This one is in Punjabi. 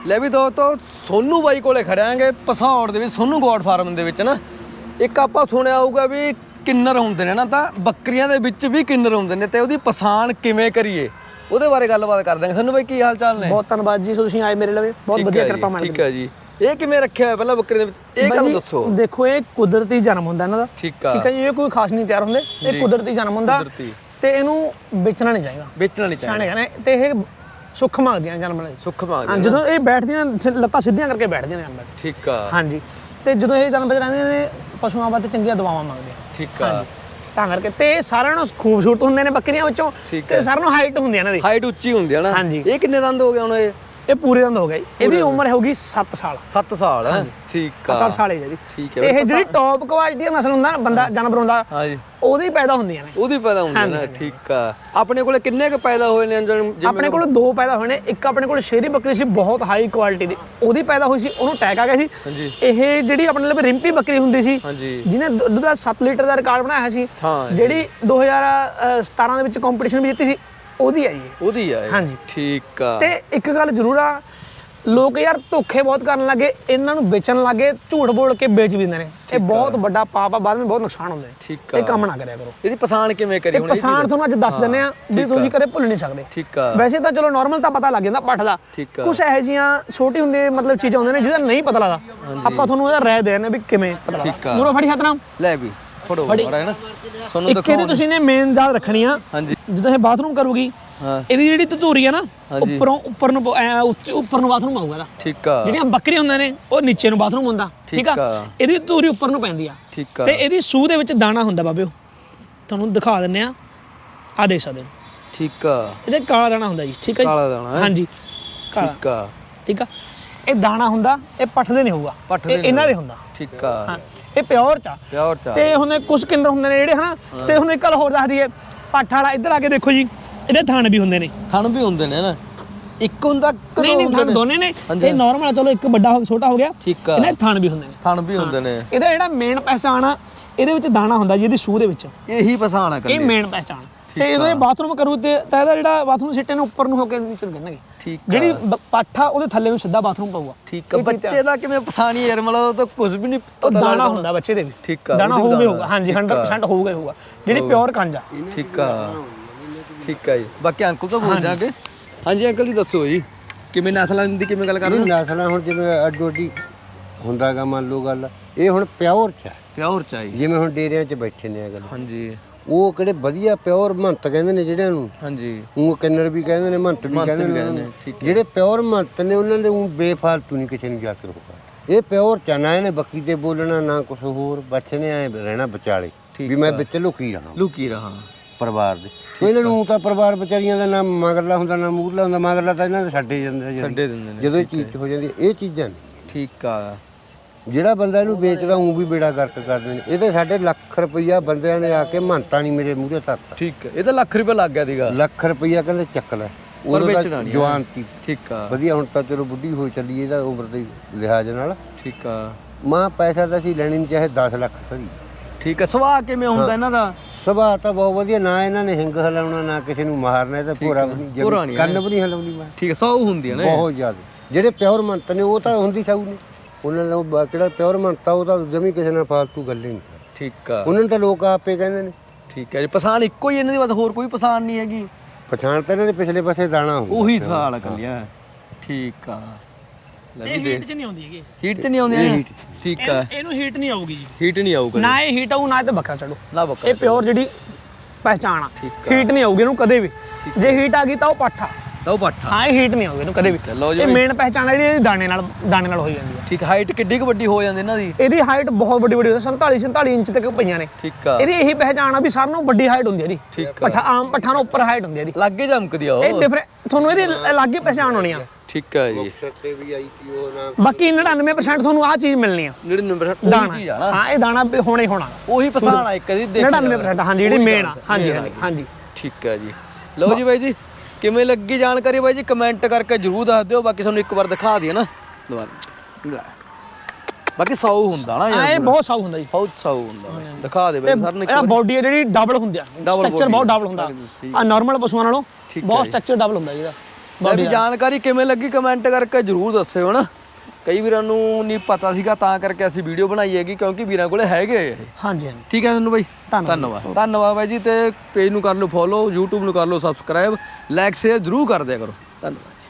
ਲੈ ਵੀ ਦੋਸਤੋ ਸੋਨੂ ਬਾਈ ਕੋਲੇ ਖੜਾਂਗੇ ਪਸੌੜ ਦੇ ਵਿੱਚ ਸੋਨੂ ਗੋਟ ਫਾਰਮ ਦੇ ਵਿੱਚ ਨਾ ਇੱਕ ਆਪਾਂ ਸੁਣਿਆ ਹੋਊਗਾ ਵੀ ਕਿੰਨਰ ਹੁੰਦੇ ਨੇ ਨਾ ਤਾਂ ਬੱਕਰੀਆਂ ਦੇ ਵਿੱਚ ਵੀ ਕਿੰਨਰ ਹੁੰਦੇ ਨੇ ਤੇ ਉਹਦੀ ਪਛਾਣ ਕਿਵੇਂ ਕਰੀਏ ਉਹਦੇ ਬਾਰੇ ਗੱਲਬਾਤ ਕਰ ਦਾਂਗੇ। ਸੋਨੂ ਬਾਈ ਕੀ ਹਾਲ ਚਾਲ ਨੇ? ਬਹੁਤ ਧੰਨਵਾਦ ਜੀ ਤੁਸੀਂ ਆਏ ਮੇਰੇ ਲਵੇ ਬਹੁਤ ਵਧੀਆ ਕਿਰਪਾ ਮਾਰ ਠੀਕ ਹੈ ਜੀ। ਇਹ ਕਿਵੇਂ ਰੱਖਿਆ ਹੋਇਆ ਪਹਿਲਾਂ ਬੱਕਰੀ ਦੇ ਵਿੱਚ ਇਹ ਗੱਲ ਦੱਸੋ। ਦੇਖੋ ਇਹ ਕੁਦਰਤੀ ਜਨਮ ਹੁੰਦਾ ਇਹਨਾਂ ਦਾ ਠੀਕ ਹੈ ਜੀ। ਇਹ ਕੋਈ ਖਾਸ ਨਹੀਂ ਤਿਆਰ ਹੁੰਦੇ ਇਹ ਕੁਦਰਤੀ ਜਨਮ ਹੁੰਦਾ ਤੇ ਇਹਨੂੰ ਵੇਚਣਾ ਨਹੀਂ ਚਾਹੀਦਾ ਸਿਆਣੇ ਕਹਿੰਦੇ ਤੇ ਇਹ ਸੁੱਖ ਮੰਗਦੀਆਂ ਜਨਮ ਲਈ ਸੁੱਖ ਮੰਗਦੀਆਂ ਜਦੋਂ ਇਹ ਬੈਠਦੀਆਂ ਲੱਤਾਂ ਸਿੱਧੀਆਂ ਕਰਕੇ ਬੈਠਦੀਆਂ ਨੇ ਅੰਦਰ ਠੀਕ ਆ ਹਾਂਜੀ ਤੇ ਜਦੋਂ ਇਹ ਜਨਮ ਵਿੱਚ ਰਹਿੰਦੀਆਂ ਨੇ ਪਸ਼ੂਆਂ ਵਾਸਤੇ ਚੰਗੀਆਂ ਦਵਾਵਾਂ ਮੰਗਦੀਆਂ ਠੀਕ ਆ ਤਾਂ ਕਰਕੇ ਤੇ ਸਾਰਿਆਂ ਨੂੰ ਖੂਬਸੂਰਤ ਹੁੰਦੇ ਨੇ ਬੱਕਰੀਆਂ ਵਿੱਚੋਂ ਤੇ ਸਾਰਿਆਂ ਨੂੰ ਹਾਈਟ ਹੁੰਦੀ ਹੈ ਇਹਨਾਂ ਦੀ ਹਾਈਟ ਉੱਚੀ ਹੁੰਦੀ ਹੈ ਨਾ ਹਾਂਜੀ। ਇਹ ਕਿੰਨੇ ਦੰਦ ਹੋ ਗਏ ਹੁਣ ਇਹ ਪੂਰੇ ਦੰਦ ਹੋ ਗਏ ਇਹਦੀ ਉਮਰ ਹੋਊਗੀ 7 ਸਾਲ 7 ਸਾਲ ਠੀਕ ਆ 7 ਸਾਲ ਹੈ ਜੀ ਠੀਕ ਹੈ। ਇਹ ਜਿਹੜੀ ਟੌਪ ਕੁਆਲਿਟੀ ਦਾ ਨਸਲ ਹੁੰਦਾ ਨਾ ਬੰਦਾ ਜਾਨਵਰ ਹੁੰਦਾ ਹਾਂਜੀ ਉਹਦੀ ਪੈਦਾ ਹੁੰਦੀਆਂ ਨੇ ਉਹਦੀ ਪੈਦਾ ਹੁੰਦੀ ਨਾ ਠੀਕ ਆ। ਆਪਣੇ ਕੋਲੇ ਕਿੰਨੇ ਕ ਪੈਦਾ ਹੋਏ ਨੇ ਆਪਣੇ ਕੋਲ 2 ਪੈਦਾ ਹੋਏ ਨੇ ਇੱਕ ਆਪਣੇ ਕੋਲ ਸ਼ੇਰੀ ਬੱਕਰੀ ਸੀ ਬਹੁਤ ਹਾਈ ਕੁਆਲਿਟੀ ਦੀ ਉਹਦੀ ਪੈਦਾ ਹੋਈ ਸੀ ਉਹਨੂੰ ਅਟੈਕ ਆ ਗਿਆ ਸੀ ਇਹ ਜਿਹੜੀ ਆਪਣੇ ਲਈ ਰਿੰਪੀ ਬੱਕਰੀ ਹੁੰਦੀ ਸੀ ਜਿਹਨੇ ਦੁੱਧ ਦਾ 7 ਲੀਟਰ ਦਾ ਰਿਕਾਰਡ ਬਣਾਇਆ ਸੀ ਜਿਹੜੀ 2017 ਦੇ ਵਿੱਚ ਕੰਪੀਟੀਸ਼ਨ ਵੀ ਜਿੱਤੀ ਸੀ ਉਹਦੀ ਆਈ ਹੈ ਉਹਦੀ ਆ ਹਾਂਜੀ ਠੀਕ ਆ। ਤੇ ਇੱਕ ਗੱਲ ਜ਼ਰੂਰ ਆ ਲੋਕ ਯਾਰ ਧੋਖੇ ਬਹੁਤ ਕਰਨ ਲੱਗੇ ਇਹਨਾਂ ਨੂੰ ਵੇਚਣ ਲੱਗੇ ਝੂਠ ਬੋਲ ਕੇ ਵੇਚ ਵੀ ਦਿੰਦੇ ਨੇ ਇਹ ਬਹੁਤ ਵੱਡਾ ਪਾਪ ਆ ਬਾਅਦ ਵਿੱਚ ਬਹੁਤ ਨੁਕਸਾਨ ਹੁੰਦਾ ਹੈ ਠੀਕ ਆ। ਇਹ ਕੰਮ ਨਾ ਕਰਿਆ ਕਰੋ। ਇਹਦੀ ਪਛਾਣ ਕਿਵੇਂ ਕਰੀ ਇਹ ਪਛਾਣ ਤੁਹਾਨੂੰ ਅੱਜ ਦੱਸ ਦਿੰਦੇ ਆ ਵੀ ਤੁਸੀਂ ਕਦੇ ਭੁੱਲ ਨਹੀਂ ਸਕਦੇ ਠੀਕ ਆ। ਵੈਸੇ ਤਾਂ ਚਲੋ ਨਾਰਮਲ ਤਾਂ ਪਤਾ ਲੱਗ ਜਾਂਦਾ ਪੱਠ ਦਾ ਕੁਝ ਇਹੋ ਜਿਹੀਆਂ ਛੋਟੀ ਹੁੰਦੇ ਮਤਲਬ ਚੀਜ਼ਾਂ ਹੁੰਦੀਆਂ ਨੇ ਜਿਹਦਾ ਨਹੀਂ ਪਤਾ ਲੱਗਦਾ ਆਪਾਂ ਤੁਹਾਨੂੰ ਉਹਦਾ ਰਾਏ ਦੇ ਰਹੇ ਨੇ ਵੀ ਕਿਵੇਂ ਪਤਾ ਲੱਗਦਾ। ਮੂਰੋ ਫੜੀ ਹੱਥ ਨਾਲ ਲੈ ਵੀ ਫੜੋ ਹੈ ਨਾ ਤੁਹਾਨੂੰ ਇੱਕ ਇਹਦੀ ਤੁਸੀਂ ਨੇ ਮੇਨ ਯਾਦ ਰੱਖਣੀ ਆ ਜਦੋਂ ਇਹ ਬਾਥਰੂਮ ਕਰੂਗੀ ਇਹਦੀ ਜਿਹੜੀ ਧਤੂਰੀ ਆ ਨਾ ਉੱਪਰ ਨੂੰ ਬਾਥਰੂਮ ਆਊਗਾ ਇਹਦਾ ਠੀਕ ਆ। ਜਿਹੜੀਆਂ ਬੱਕਰੀਆਂ ਹੁੰਦੀਆਂ ਨੇ ਉਹ ਨੀਚੇ ਨੂੰ ਬਾਥਰੂਮ ਹੁੰਦਾ ਠੀਕ ਆ ਇਹਦੀ ਧਤੂਰੀ ਉੱਪਰ ਨੂੰ ਪੈਂਦੀ ਆ ਠੀਕ ਆ। ਤੇ ਇਹਦੀ ਸੂਹ ਦੇ ਵਿੱਚ ਦਾਣਾ ਹੁੰਦਾ ਬਾਬਿਓ ਤੁਹਾਨੂੰ ਦਿਖਾ ਦਿੰਨੇ ਆ ਦੇਖ ਸਕਦੇ ਹੋ ਠੀਕ ਆ। ਇਹਦੇ ਕਾਲਾ ਦਾਣਾ ਹੁੰਦਾ ਜੀ ਠੀਕ ਆ ਕਾਲਾ ਦਾਣਾ ਹਾਂਜੀ ਠੀਕ ਆ ਠੀਕ ਆ। ਇਹ ਦਾਣਾ ਹੁੰਦਾ ਇਹ ਪੱਠ ਦੇ ਨਹੀਂ ਹੋਊਗਾ ਇਹ ਇਹਨਾਂ ਦੇ ਹੁੰਦਾ ਠੀਕ ਆ। ਇਹ ਪਿਓਰ ਚ ਤੇ ਹੁਣ ਕੁਝ ਕਿੰਨਰ ਹੁੰਦੇ ਨੇ ਜਿਹੜੇ ਹਨਾ ਤੇ ਹੁਣ ਇੱਕ ਗੱਲ ਹੋਰ ਦੱਸ ਦਈਏ ਪੱਠ ਵਾਲਾ ਇੱਧਰ ਆ ਕੇ ਦੇਖੋ ਜੀ ਇਹਦੇ ਥਣ ਵੀ ਹੁੰਦੇ ਨੇ ਨਾ ਇੱਕ ਹੁੰਦਾ ਨਹੀਂ ਥਣ ਦੋਨੇ ਨੇ ਇਹ ਨਾਰਮਲ ਆ ਚਲੋ ਇੱਕ ਵੱਡਾ ਛੋਟਾ ਹੋ ਗਿਆ ਇਹਨੇ ਥਣ ਵੀ ਹੁੰਦੇ ਨੇ ਇਹਦਾ ਜਿਹੜਾ ਮੇਨ ਪਹਿਚਾਣ ਆ ਇਹਦੇ ਵਿੱਚ ਦਾਣਾ ਹੁੰਦਾ ਜੀ ਇਹਦੀ ਸੂਹ ਦੇ ਵਿੱਚ ਇਹੀ ਪਛਾਣ ਆ ਇਹ ਮੇਨ ਪਹਿਚਾਣ ਤੇ ਜਦੋਂ ਇਹ ਬਾਥਰੂਮ ਕਰੂ ਤੇ ਤਾਂ ਇਹਦਾ ਜਿਹੜਾ ਬਾਥਰੂਮ ਸਿੱਟੇ ਨੂੰ ਉੱਪਰ ਨੂੰ ਹੋ ਕੇ ਨੀਚੇ ਨੂੰ ਕਰਨਗੇ ਜਿਹੜੀ ਪੱਠ ਆ ਉਹਦੇ ਥੱਲੇ ਨੂੰ ਸਿੱਧਾ ਬਾਥਰੂਮ ਪਊਗਾ ਠੀਕ ਆ। ਬੱਚੇ ਦਾ ਕਿਵੇਂ ਪਛਾਣੀ ਯਾਰ ਮਤਲਬ ਉਹ ਤਾਂ ਕੁਝ ਵੀ ਨਹੀਂ ਪਤਾ ਦਾਣਾ ਹੁੰਦਾ ਬੱਚੇ ਦੇ ਵੀ ਠੀਕ ਆ। ਦਾਣਾ ਹੋਊਗਾ ਹਾਂਜੀ 100% ਹੋਊਗਾ ਜਿਹੜੀ ਪਿਓਰ ਕੰਜ ਆ ਠੀਕ ਆ ਠੀਕ ਆ ਜੀ। ਬਾਕੀ ਅੰਕਲ ਤੋਂ ਪੁੱਛ ਜਾਗੇ ਹਾਂਜੀ ਅੰਕਲ ਜੀ ਦੱਸੋ ਜੀ ਕਿਵੇਂ ਨਸਲਾਂ ਦੀ ਕਿਵੇਂ ਗੱਲ ਕਰਦੇ ਨਸਲਾਂ ਹੁਣ ਜਿਵੇਂ ਅੱਡੋ ਅੱਡੀ ਹੁੰਦਾਗਾ ਮੰਨ ਲਓ ਗੱਲ ਇਹ ਹੁਣ ਪਿਓਰ ਚ ਜਿਵੇਂ ਹੁਣ ਡੇਰਿਆਂ 'ਚ ਬੈਠੇ ਨੇ ਗੱਲ ਹਾਂਜੀ ਉਹ ਕਿਹੜੇ ਵਧੀਆ ਪਿਓਰ ਮਹੰਤ ਕਹਿੰਦੇ ਨੇ ਜਿਹੜਿਆਂ ਨੂੰ ਹਾਂਜੀ ਉਹ ਕਿੰਨਰ ਵੀ ਕਹਿੰਦੇ ਨੇ ਮਹੰਤ ਵੀ ਕਹਿੰਦੇ ਨੇ ਜਿਹੜੇ ਪਿਓਰ ਮਹੰਤ ਨੇ ਉਹਨਾਂ ਦੇ ਉਹ ਬੇਫਾਲਤੂ ਨਹੀਂ ਕਿਸੇ ਨੂੰ ਜਾ ਕੇ ਰੋਕਦਾ ਇਹ ਪਿਓਰ ਚਨਾ ਇਹਨੇ ਬੱਕੀ ਤੇ ਬੋਲਣਾ ਨਾ ਕੁਝ ਹੋਰ ਬੱਚੇ ਨੇ ਐ ਰਹਿਣਾ ਵਿਚਾਲੇ ਵੀ ਮੈਂ ਵਿੱਚ ਲੁਕੀ ਰਹਾ ਪਰਿਵਾਰ ਦੇ ਇਹਨਾਂ ਨੂੰ ਤਾਂ ਪਰਿਵਾਰ ਵਿਚਾਰੀਆਂ ਦਾ ਨਾ ਮਗਰਲਾ ਹੁੰਦਾ ਨਾ ਮੂਰਲਾ ਹੁੰਦਾ ਮਗਰਲਾ ਤਾਂ ਇਹਨਾਂ ਦੇ ਛੱਡੇ ਜਾਂਦੇ ਜਦੋਂ ਇਹ ਚੀਜ਼ ਹੋ ਜਾਂਦੀ ਇਹ ਚੀਜ਼ਾਂ ਨਹੀਂ ਠੀਕ ਆ। ਜਿਹੜਾ ਬੰਦਾ ਇਹਨੂੰ ਵੇਚਦਾ ਉਹ ਵੀ ਬੇੜਾ ਗਰਕ ਕਰਦੇ ਨੇ ਇਹ ਤਾਂ ਸਾਡੇ ਲੱਖ ਰੁਪਈਆ ਬੰਦਿਆਂ ਨੇ ਆ ਕੇ ਮਹੰਤਾਂ ਨਹੀਂ ਮੇਰੇ ਮੂਹਰੇ ਧਰਤਾ ਠੀਕ ਹੈ। ਇਹ ਤਾਂ ਲੱਖ ਰੁਪਏ ਲੱਗ ਗਿਆ ਸੀਗਾ ਲੱਖ ਰੁਪਈਆ ਕਹਿੰਦੇ ਚੱਕ ਲੈ ਉਦੋਂ ਤਾਂ ਜਵਾਨ ਸੀ ਠੀਕ ਆ ਵਧੀਆ ਹੁਣ ਤਾਂ ਚਲੋ ਬੁੱਢੀ ਹੋਈ ਚੱਲੀ ਇਹਦਾ ਉਮਰ ਦੇ ਲਿਹਾਜ਼ ਨਾਲ ਠੀਕ ਆ। ਮਾਂ ਪੈਸਾ ਤਾਂ ਅਸੀਂ ਲੈਣੀ ਨਹੀਂ ਚਾਹੇ 10 ਲੱਖ ਧਰੀ ਠੀਕ ਆ। ਸੁਭਾਅ ਕਿਵੇਂ ਹੁੰਦਾ ਇਹਨਾਂ ਦਾ? ਸੁਭਾਅ ਤਾਂ ਬਹੁਤ ਵਧੀਆ ਨਾ ਇਹਨਾਂ ਨੇ ਹਿੰਗ ਹਲਾਉਣਾ ਨਾ ਕਿਸੇ ਨੂੰ ਮਾਰਨਾ ਇਹ ਤਾਂ ਭੋਰਾ ਵੀ ਨਹੀਂ ਕੰਨ ਵੀ ਨਹੀਂ ਹਲਾਉਣੀ ਮੈਂ ਠੀਕ ਆ। ਸੌ ਹੁੰਦੀ ਹੈ ਨਾ ਬਹੁਤ ਜ਼ਿਆਦਾ ਜਿਹੜੇ ਪਿਓਰ ਮੰਤ ਨੇ ਉਹ ਤਾਂ ਹੁੰਦੀ ਸੌ ਨਹੀਂ ਉਹਨਾਂ ਨੇ ਕਿਹੜਾ ਪਿਓਰ ਮੰਤਾ ਉਹ ਤਾਂ ਜਮੀ ਕਿਸੇ ਨਾਲ ਫਾਲਤੂ ਗੱਲ ਹੀ ਨਹੀਂ ਠੀਕ ਆ। ਉਹਨਾਂ ਨੂੰ ਤਾਂ ਲੋਕ ਆਪੇ ਕਹਿੰਦੇ ਨੇ ਠੀਕ ਹੈ ਜੀ। ਪਛਾਣ ਇੱਕੋ ਹੀ ਇਹਨਾਂ ਦੀ ਬਸ ਹੋਰ ਕੋਈ ਪਛਾਣ ਨਹੀਂ ਹੈਗੀ ਪਛਾਣ ਤਾਂ ਇਹਨਾਂ ਦੇ ਪਿਛਲੇ ਪਾਸੇ ਦਾਣਾ ਹੁੰਦਾ ਉਹੀ ਥਾਲ ਕੱਲਿਆ ਠੀਕ ਆ। ਇਹ ਹੀਟ ਚ ਨਹੀਂ ਆਉਂਦੀ ਹੈਗੀ ਹੀਟ ਤੇ ਨਹੀਂ ਆਉਂਦੀ ਠੀਕ ਆ। ਇਹਨੂੰ ਹੀਟ ਨਹੀਂ ਆਊਗੀ ਜੀ ਹੀਟ ਨਹੀਂ ਆਊਗਾ ਨਾ ਇਹ ਹੀਟ ਆਊ ਨਾ ਤੇ ਬੱਕਰਾ ਚੜੂ ਨਾ ਬੱਕਰਾ ਇਹ ਪਿਓਰ ਜਿਹੜੀ ਪਹਿਚਾਣ ਆ ਹੀਟ ਨਹੀਂ ਆਊਗੀ ਇਹਨੂੰ ਕਦੇ ਵੀ ਜੇ ਹੀਟ ਆ ਗਈ ਤਾਂ ਉਹ ਪੱਠਾ ਤਾਂ ਉਹ ਪੱਠਾ ਹਾਂ ਇਹ ਹੀਟ ਨਹੀਂ ਆਊਗੀ ਇਹਨੂੰ ਕਦੇ ਵੀ ਇਹ ਮੇਨ ਪਹਿਚਾਣ ਜਿਹੜੀ ਇਹਦੀ ਦਾਣੇ ਨਾਲ ਹੋਈ ਜਾਂਦੀ ਹੈ ਠੀਕ ਹਾਈਟ ਕਿੱਡੀ ਕੁ ਵੱਡੀ ਹੋ ਜਾਂਦੀ ਇਹਨਾਂ ਦੀ ਇਹਦੀ ਹਾਈਟ ਬਹੁਤ ਵੱਡੀ ਹੁੰਦੀ 47 ਇੰਚ ਤੱਕ ਪਈਆਂ ਨੇ ਠੀਕ ਆ। ਇਹਦੀ ਇਹੀ ਪਹਿਚਾਣ ਆ ਵੀ ਸਾਰਿਆਂ ਨਾਲੋਂ ਵੱਡੀ ਹਾਈਟ ਹੁੰਦੀ ਹੈ ਇਹਦੀ ਪੱਠਾ ਆਮ ਪੱਠਾ ਨਾਲੋਂ ਉੱਪਰ ਹਾਈਟ ਹੁੰਦੀ ਹੈ ਇਹਦੀ ਲੱਗੇ ਜਮਕਦੀ ਆ ਉਹ ਇਹ ਡਿਫਰੈਂਟ ਤੁਹਾਨੂੰ ਇਹਦੀ ਅਲੱਗ ਹੀ ਪਹਿਚਾਣ ਹੋਣੀ ਆ ਠੀਕ ਆ ਜੀ। ਤੇ ਵੀ ਆਈ ਸੀ ਉਹ ਨਾ ਬਾਕੀ 99% ਤੁਹਾਨੂੰ ਆਹ ਚੀਜ਼ ਮਿਲਣੀ ਆ 99% ਦਾਣਾ ਹਾਂ ਇਹ ਦਾਣਾ ਹੋਣਾ ਹੀ ਹੋਣਾ ਉਹੀ ਪਛਾਣ ਆ ਇੱਕ ਦੀ 99% ਹਾਂਜੀ ਜਿਹੜੀ ਮੇਨ ਆ ਹਾਂਜੀ ਠੀਕ ਆ ਜੀ। ਲਓ ਜੀ ਬਾਈ ਜੀ ਕਿਵੇਂ ਲੱਗੀ ਜਾਣਕਾਰੀ ਬਾਈ ਜੀ ਕਮੈਂਟ ਕਰਕੇ ਜਰੂਰ ਦੱਸ ਦਿਓ। ਬਾਕੀ ਤੁਹਾਨੂੰ ਇੱਕ ਵਾਰ ਦਿਖਾ ਦਈਏ ਨਾ ਦੁਬਾਰਾ ਬਾਕੀ 100 ਹੁੰਦਾ ਨਾ ਯਾਰ ਇਹ ਬਹੁਤ 100 ਹੁੰਦਾ ਜੀ ਬਹੁਤ 100 ਹੁੰਦਾ ਦਿਖਾ ਦੇ ਬਾਈ ਸਰ ਨੇ ਇਹ ਬਾਡੀ ਹੈ ਜਿਹੜੀ ਡਬਲ ਹੁੰਦੀ ਆ ਸਟਰਕਚਰ ਬਹੁਤ ਡਬਲ ਹੁੰਦਾ ਆ ਨਾਰਮਲ ਪਸ਼ੂਆਂ ਨਾਲੋਂ ਬਹੁਤ ਸਟਰਕਚਰ ਡਬਲ ਹੁੰਦਾ ਜਿਹਦਾ ਬਾਕੀ ਜਾਣਕਾਰੀ ਕਿਵੇਂ ਲੱਗੀ ਕਮੈਂਟ ਕਰਕੇ ਜਰੂਰ ਦੱਸਿਓ ਨਾ। ਕਈ ਵੀਰਾਂ ਨੂੰ ਨਹੀਂ ਪਤਾ ਸੀਗਾ ਤਾਂ ਕਰਕੇ ਅਸੀਂ ਵੀਡੀਓ ਬਣਾਈ ਹੈਗੀ, ਕਿਉਂਕਿ ਵੀਰਾਂ ਕੋਲੇ ਹੈਗੇ ਇਹ। ਹਾਂਜੀ ਹਾਂਜੀ ਠੀਕ ਹੈ ਤੁਹਾਨੂੰ ਬਾਈ, ਧੰਨਵਾਦ ਬਾਈ ਜੀ। ਤੇ ਪੇਜ ਨੂੰ ਕਰ ਲਓ ਫੋਲੋ, YouTube ਨੂੰ ਕਰ ਲਓ ਸਬਸਕ੍ਰਾਈਬ, ਲਾਈਕ ਸ਼ੇਅਰ ਜਰੂਰ ਕਰ ਦਿਆ ਕਰੋ। ਧੰਨਵਾਦ।